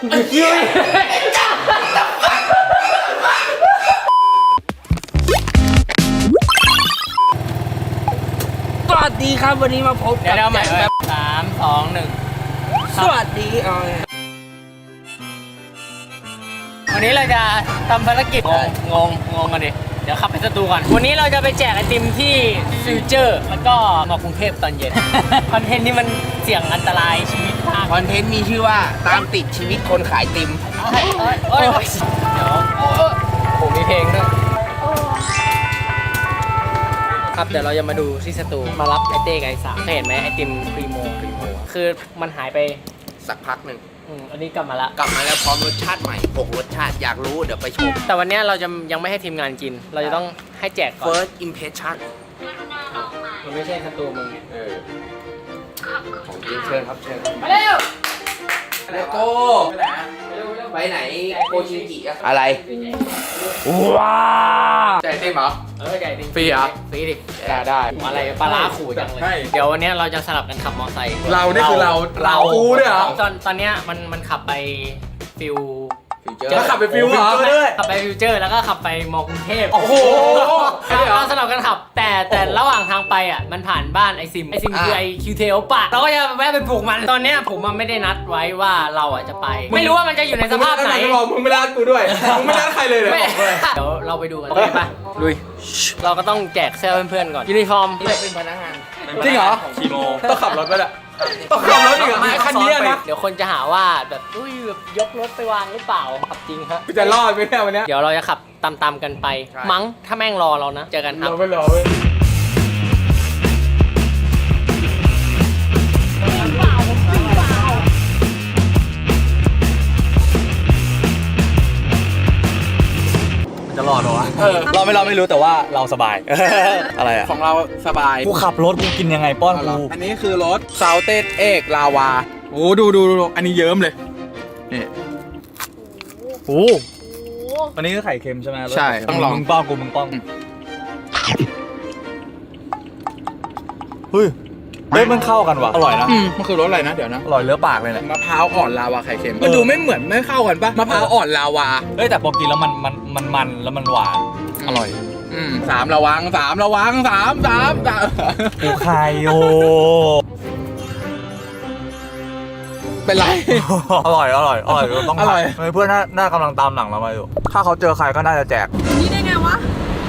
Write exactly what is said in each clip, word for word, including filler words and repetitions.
สวัสดีครับวันนี้มาพบกับเดี๋ยวใหม่แบบสามสองหนึ่งสวัสดีอ๋อวันนี้เราจะทำภารกิจงงงงงกันดิเดี๋ยวขับไปสตูก่อนวันนี้เราจะไปแจกไอติมที่ฟิวเจอร์แล้วก็มากรุงเทพตอนเย็น คอนเทนต์นี้มันเสี่ยงอันตรายชีวิตมากคอนเทนต์มีชื่อว่าตามติดชีวิตคนขายติมเอ้ยเอ้ยเอ้ยเดี๋ยวผมมีเพลงด้วยครับเดี๋ยวเราจะมาดูที่สตูมารับไอเต้กับไอสามเห็นไหมไอติมพรีโมพรีโมคือมันหายไปสักพักหนึ่งอืมอันนี้กลับมาละกลับมาแล้วพร้อมรสชาติใหม่หกรสชาติอยากรู้เดี๋ยวไปชมแต่วันนี้เราจะยังไม่ให้ทีมงานกินเราจะต้องให้แจกก่อน first impression มันไม่ใช่สตูมึงเออของจริงเชิญครับเชิญมาเร็วเลโก้ไปไหนโกชินจิอะไรว้าใจเต้มเหรอเออใจดิฟรีเหรอฟรีดิได้ได้อะไรปลาร้าขู่จังเลยเดี๋ยววันนี้เราจะสลับกันขับมอเตอร์ไซค์เราเนี่ยคือเราเรากูเนี่ยเหรอตอนตอนเนี้ยมันมันขับไปฟิวแล้วขับไปฟิวเหรอขับไปฟิวเจอร์แล้วก็ขับไปมอกรุงเทพโอ้โหเราสลับกันขับแต่แต่ระหว่างทางไปอ่ะมันผ่านบ้านไอซิมไอซิมคือไอคิวเทลปะเราก็จะแวะไปปลูกมันตอนเนี้ยผมมันไม่ได้นัดไว้ว่าเราอ่ะจะไปไม่รู้ว่ามันจะอยู่ในสภาพไหนมึงไม่นัดกูด้วยมึงไม่นัดใครเลยเลยเดี๋ยวเราไปดูกันเลยป่ะลุยเราก็ต้องแจกเสื้อเพื่อนๆก่อนยูนิฟอร์มที่เป็นพนักงานจริงเหรอคีโมต้องขับรถไปละต้องขับรถอีกเหรอคันนี้นะเดี๋ยวคนจะหาว่าแบบอุ้ยแบบยกรถไปวางหรือเปล่าขับจริงครับจะรอดไหมเนี่ยวันนี้เดี๋ยวเราจะขับตามๆกันไปมั้งถ้าแม่งรอเรานะเจอกันครับเราไม่รอเว้ยจะรอดเหรอวะเราไม่เราไม่รู้แต่ว่าเราสบายอะไรอะของเราสบายกูขับรถกูกินยังไงป้อนกูอันนี้คือรถซาวเต็ดเอกลาวาโอ้ดูดูดูอันนี้เยิ้มเลยนี่โอ้อันนี้ก็ไข่เค็มใช่ไหมใช่ต้องลองมึงป้องกูมึงป้องเฮ้ยเฮ้ยมันเข้ากันว่ะอร่อยนะมันคือรสอะไรนะเดี๋ยวนะอร่อยเลือปากเลยแหละมะพร้าวอ่อนลาวาไข่เค็มมันดูไม่เหมือนไม่เข้ากันปะมะพร้าวอ่อนลาวาเฮ้ยแต่พอกินแล้วมันมันมันมันแล้วมันหวานอร่อยอืมสามระวังสามระวังสามสามสามกูไข่โยเป็นไรอร่อยอร่อยอร่อยต้องอร่อยเพื่อนน่ากำลังตามหลังเรามาอยู่ถ้าเขาเจอใครก็น่าจะแจกนี่ได้ไงวะ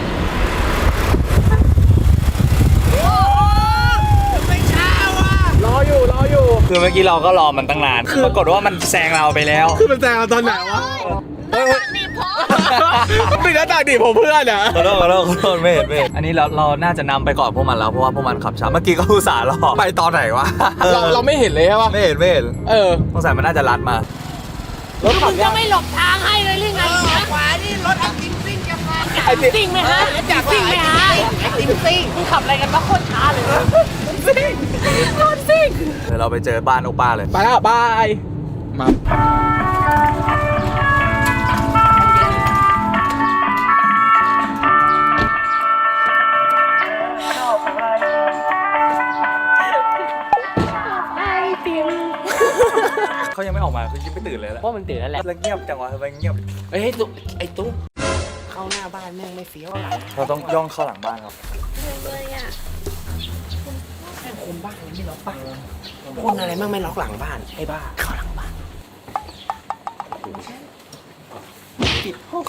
รออยู่รออยู่คือเมื่อกี้เราก็รอมันตั้งนานปรากฏว่ามันแซงเราไปแล้วคือมันแซงเราตอนไหนวะหน้าตาดีพอปิดหน้าตาดีผมเพื่อนอ่ะขอโทษขอโทษขอโทษไม่เห็นไม่เห็นอันนี้เราเราน่าจะนำไปก่อนพวกมันแล้วเพราะว่าพวกมันขับช้าเมื่อกี้ก็อุตส่าห์รอไปตอนไหนวะเราเราไม่เห็นเลยใช่ปะไม่เห็นไม่เห็นเออสงสัยมันน่าจะลัดมารถขับจะไม่หลบทางให้เลยหรือไงขวานี่รถไอติมซิ่งจะมาไอติมซิ่งไหมฮะจากซิ่งไหมฮะไอติมซิ่งมึงขับอะไรกันวะโคตรช้าเลยซิ่งรถซิ่งเดี๋ยวเราไปเจอบ้านโอป้าเลยไปแล้วบายมาเขายังไม่ออกมาคือยังไม่ตื่นเลยแหละว่ามันตื่นแล้วแหละแล้วเงียบจังวะทำไมเงียบเฮ้ยตุ๊ไอ้ตุ๊เข้าหน้าบ้านแม่งไม่เฟี้ยวเราต้องย่องเข้าหลังบ้านครับเลยอ่ะแค่คนบ้านยังไม่ล็อกบ้านคนอะไรมั่งไม่ล็อกหลังบ้านไอ้บ้าเข้าหลังบ้านปิดห้อง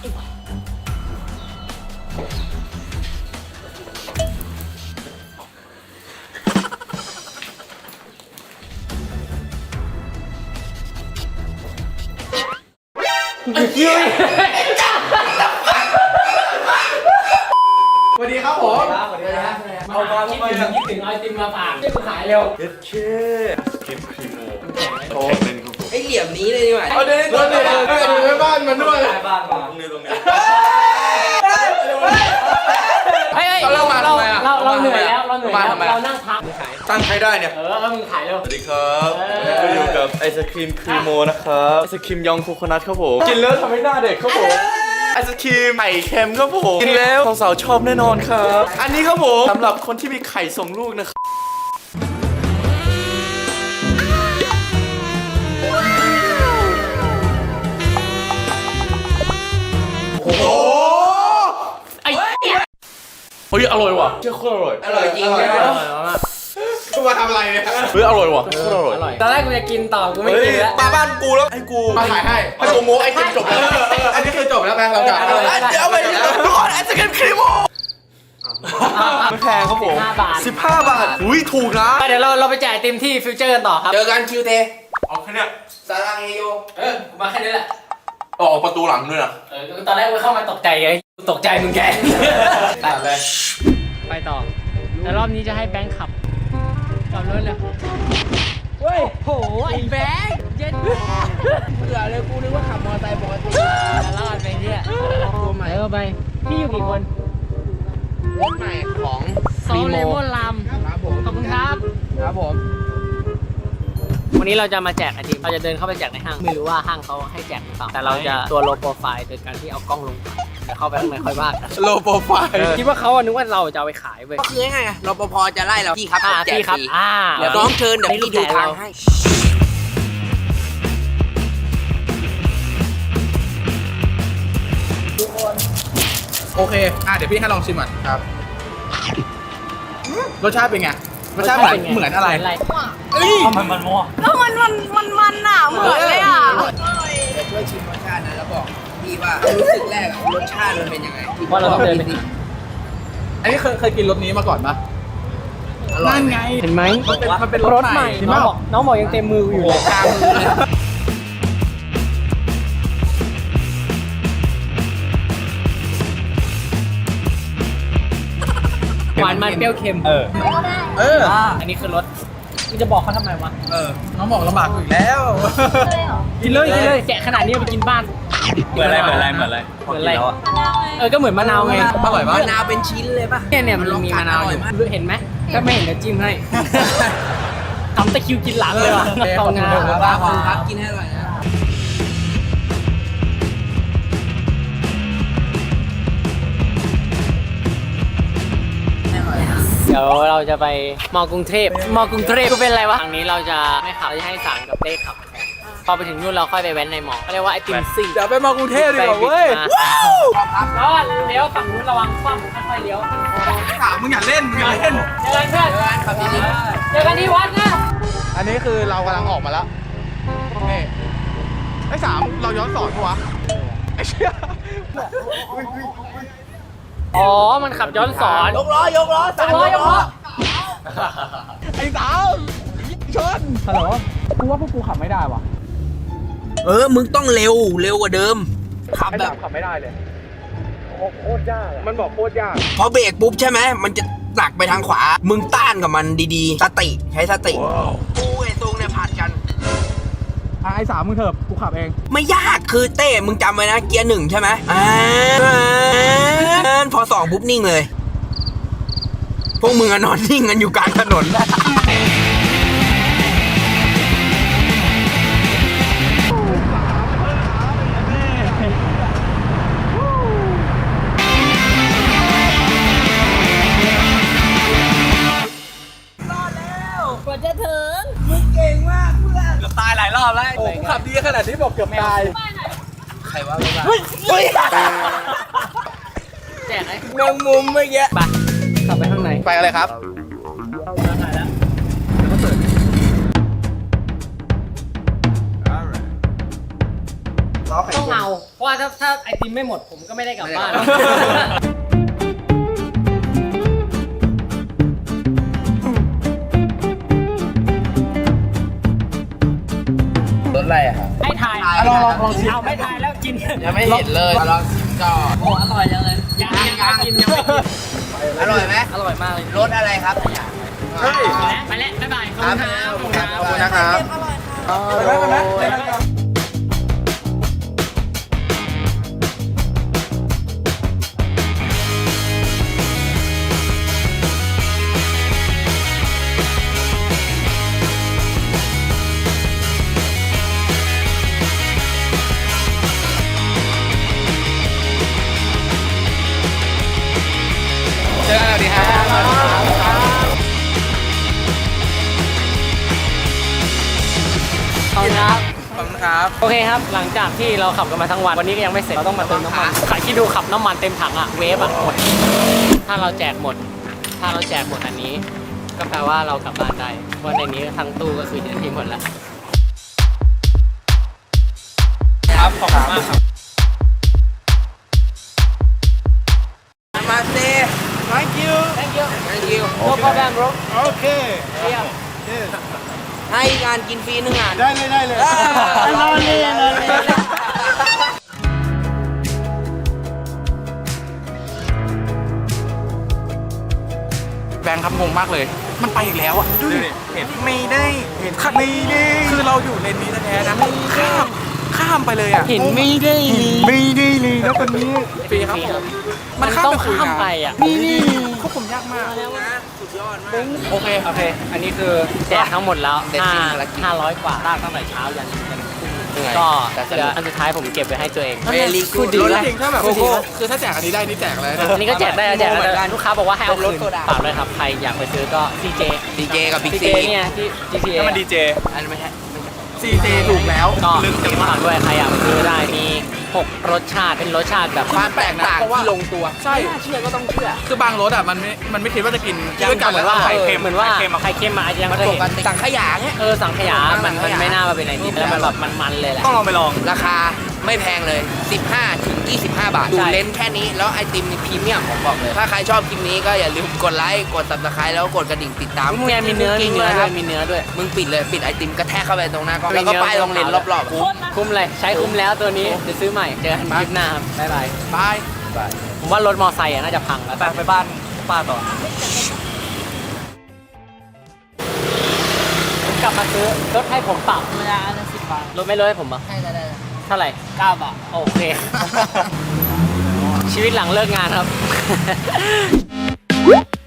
สวัสดีครับผมสวัสดีครับเอามาคิดถึงคิดถึงไอติมมาฝากที่กูขายเร็วเด็ดเช่คลิปครีโมโอ้ไอเหลี่ยมนี้เลยดีกว่าเอาเดี๋ยวเดี๋ยวเดี๋ยวเดี๋ยวไปบ้านมันด้วยบ้านมาตรงนี้ตรงนี้เฮ้ยเราเราเราเราเหนื่อยแล้วเราเหนื่อยแล้วเรานั่งพักตั้งใครได้เนี่ยเออเอามึงขายเร็วสวัสดีครับก็อยู่กับไอศครีมครีโมนะครับไอศครีมยองโคโคนัทครับผมกินแล้วทำให้หน้าเด็กครับผมไอศครีมไข่เค็มครับผมกินแล้วสาวๆชอบแน่นอนครับอันนี้ครับผมสำหรับคนที่มีไข่ส่งลูกนะครับฮ้ยอร่อยว่ะเชื่อโคตรอร่อยอร่อยจริงใช่ไหมมาทำอะไรเนี่ยเฮ้ยอร่อยว่ะโคตรอร่อยอร่อยตอนแรกกูจะกินต่อกูไม่กินแล้วมาบ้านกูแล้วให้กูมาถ่ายให้ให้กูโม้ไอติมจบแล้วอันนี้คือจบแล้วไหมเรากลับเดี๋ยวไปทุกคนไอศกรีมครีมโมไม่แพงครับผมสิบห้าบาทสิบห้าบาทอุ้ยถูกนะไปเดี๋ยวเราเราไปจ่ายเต็มที่ฟิวเจอร์กันต่อครับเจอกันคิวเทเอาแค่เนี้ยสารังเฮโยเออมาแค่นี้แหละออกประตูหลังด้วยนะเออตอนแรกกูเข้ามาตกใจไงตกใจมึงแกตัดเลย ไปต่อแต่รอบนี้จะให้แบงค์ขับขับรถเลยเฮ้ยโหไอ้แบงค์เย็นเบื่อเลยกูนึกว่าขับมอเตอร์ไซค์ปกติรอดไปเนี่ยตัวใหม่เออไปพี่อยู่กี่คนรถใหม่ของโซเลมอนลำครับผมขอบคุณครับครับผมวันนี้เราจะมาแจกไอติมเราจะเดินเข้าไปแจกในห้างไม่รู้ว่าห้างเขาให้แจกหรือเปล่าแต่เราจะตัวโลโปรไฟล์โดยการที่เอากล้องลงเดี๋ยวเข้าไปข้างในค่อยว่ากันโลโปรไฟล์คิดว่าเขาอะนึกว่าเราจะเอาไปขายเว้ยก็คือไงไงรปภจะไล่เราพี่ครับอ่าผมแจกพี่ครับฟรีอ่าเดี๋ยวน้องเชิญเดี๋ยวพี่ดูทางให้โอเคอ่ะเดี๋ยวพี่ให้ลองชิมก่อนครับรสชาติเป็นไงรสชาติเหมือนเหมือนอะไร เอ้ยมันมันมั่วแล้วมันมันมันมันอ่ะ เหมือนเลยอ่ะเดี๋ยวช่วยชิมรสชาตินะแล้วบอกพี่ว่ารู้สึกแรกอะรสชาติมันเป็นยังไงว่าเราต้องเดินไปอันนี้เคยเคยกินรสนี้มาก่อนปะอร่อยนั่นไหมไงเห็นไหมมันเป็นมันเป็นรถใหม่เห็นน้ปะองบอกน้องบอกยังเต็มมืออยู่เลยกลางมือเลยหวานมันเปรี้ยวเค็มเออ เอออันนี้คือรสมึงจะบอกเขาทำไมวะเออ น้องบอกลำบากอยู่แล้วกินเลยกินเลยแกะขนาดนี้เอาไปกินบ้านเหมือนอะไรเหมือนอะไรเหมือนอะไรเหมือนอะไรเออก็เหมือนมะนาวไงอร่อยปะมะนาวเป็นชิ้นเลยป่ะเนี่ยเนี่ยมันมีมะนาวอยู่เห็นไหมถ้าไม่เห็นเดี๋ยวจิ้มให้ทำตะคริวกินหลังเลยว่ะตองงาขอบคุณครับขอบคุณครับกินให้อร่อยนะเดี๋ยวเราจะไปมอกรุงเทพมอกรุงเทพก็เป็นอะไรวะทางนี้เราจะไม่ขับเราจะให้สารกับเต้ขับพอไปถึงนู่นเราค่อยไปแว้นในมอเขาเรียกว่าไอติมซิ่งเดี๋ยวไปมากรุงเทพดีกว่าเว้ยแล้วเลี้ยวฝั่งนู้นระวังคว่ำค่อยๆเลี้ยวถามมึงอย่าเล่นมึงอย่าเล่นเจอกันเพื่อนเจอกันที่วัดนะอันนี้คือเรากำลังออกมาแล้ว นี่ไอ้สามเราย้อนสอนปะวะไอ้เชี่ยอ๋อมันขับย้อนสอนยกล้อยกล้อสามยกล้อยกล้อไอ้สามชนฮัลโหลกูว่าพวกกูขับไม่ได้ว่ะเออมึงต้องเร็วเร็วกว่าเดิมขับไอ้แบสาบมขับไม่ได้เลยโคตรยากมันบอกโคตรยากพอเบรกปุ๊บใช่ไหมมันจะหนักไปทางขวา มึงต้านกับมันดีๆสติใช้สติกูไอ้ตรงเนี่ยผ่านกันอ่ะไอ้สามมึงเถอะกูขับเองไม่ยากคือเต้มึงจำไว้นะเกียร์หนึ่งใช่ไหมอ่าพอสองปุ๊บนิ่งเลย พวกมึงอะนอนนิ่งกันอยู่กลางถนนกว่าจะถึงเกือบตายหลายรอบแล้วโอ้กูขับดีขนาดนี้บอกเกือบตายใครว่าไม่ว่าแจกไอ้แมงมุมเมื่อกี้ไปขับไปข้างในไปกันเลยครับต้องเอาเพราะว่าถ้าถ้าไอติมไม่หมดผมก็ไม่ได้กลับบ้านรถอะไรอะครับให้ทายลองลองลองชิมเอาไม่ทายแล้วกินยังไม่เห็นเลยลองชิมก่อนโอ้อร่อยจังเลยยังยังยังกินยังไม่กินอร่อยไหมอร่อยมากเลยรสอะไรครับเฮ้ยไปแล้วบ๊ายบายขอบคุณครับขอบคุณครับขอบคุณนะครับไปไหมไปไหมเจอกันแล้วดีครับขอบคุณครับขอบครับโอเคครับ หลังจากที่เราขับกันมาทั้งวัน วันนี้ก็ยังไม่เสร็จ เราต้องมาเติมน้ำมันใครที่ดูขับน้ำมันเต็มถังอะเวฟอะหมด ถ้าเราแจกหมด ถ้าเราแจกหมดอันนี้ ก็แปลว่าเรากลับบ้านได้เพราะในนี้ทั้งตู้ก็คือจะทิ้งหมดแล้วครับขอบคุณมากครับมาเซ่ thank you Thank you thank you no problem bro โอเคให้งานกินฟรีหนึ่งงานได้เลยได้เลยรอเลยรอเลยแบงค์ครับงงมากเลย มันไปอีกแล้วอ่ะดูดิเห็นไม่ได้เห็นขัดไม่ได้คือเราอยู่เลนนี้แท้ๆนะข้ามข้ามไปเลยอ่ะเห็นไม่ได้ไม่ได้เลยนะคนนี้ฟรีครับผมมันต้องข้ามไปอ่ะนี่นี่ควบคุมยากมากสุดยอดมากโอเค โอเค อันนี้คือแจกทั้งหมดแล้วเด็ดจริงภารกิจห้าร้อยกว่าลากตั้งแต่เช้ายันยันทุ่มก็แต่สนุกเดี๋ยวอันสุดท้ายผมเก็บไว้ให้ตัวเองเวลีกูพูดดีรถนะจริงถ้าแบบโกโก้คือถ้าแจกอันนี้ได้นี่แจกเลยอันนี้ก็แจกได้แจกเหมือนกัได้นลูกค้าบอกว่าให้เอาเป็นรคืถนโซดาฝากเลยครับ ใครอยากไปซื้อก็ ซี เจดีเจกับบิ๊กซีซีเจเนี่ยที่ จี ที เอถ้ามันดีเจอันนี้ไม่ใช่ซีเจถูกแล้วก็ลึกติดฝากด้วยใครอยากไปซื้อได้ มีหกรสชาติ เป็นรสชาติแบบความแตกต่างที่ลงตัวใช่ไม่น่าเชื่อก็ต้องเชื่อคือบางรสอ่ะมันไม่มันไม่คิดว่าจะกินยังด้วยกันเหมือนว่าไข่เค็มเหมือนว่าไข่เค็มอะไข่เค็มมาอาจจะยังไม่มันเคยปเห็นกติสังขยาเงี้ยเออสังขยา มันสัมันงขยาไม่น่ามาเป็นไอติมแล้วมันแบบมันๆเลยแหละต้องลองไปลองราคาไม่แพงเลย สิบห้าถึงยี่สิบห้า บาท ดูใช่เลนส์แค่นี้ แล้วไอติมนี่พรีเมียมผมบอกเลย ถ้าใครชอบคลิปนี้ก็อย่าลืมกดไลค์ กด ซับสไครบ์ แล้วก็กดกระดิ่งติดตามมึงมีเนื้อมีเนื้อด้วยมีเนื้อด้วยมึงปิดเลย ปิดไอติมกระแทกเข้าไปตรงหน้ากล้องแล้วก็ป้ายโรงเรียนรอบๆคุ้มคุ้มเลยใช้คุ้มแล้วตัวนี้จะซื้อใหม่เจอกันคลิปหน้าครับบ๊ายบายบายผมว่ารถมอไซค์อะน่าจะพังแล้วไปไปบ้านป้าต่อผมกลับมาซื้อรถให้ผมเปล่าธรรมดาอันละสิบบาทรถไม่รถให้ผมเหรอให้ได้ได้เท่าไหร่เก้าบาทโอเค ชีวิตหลังเลิกงานครับ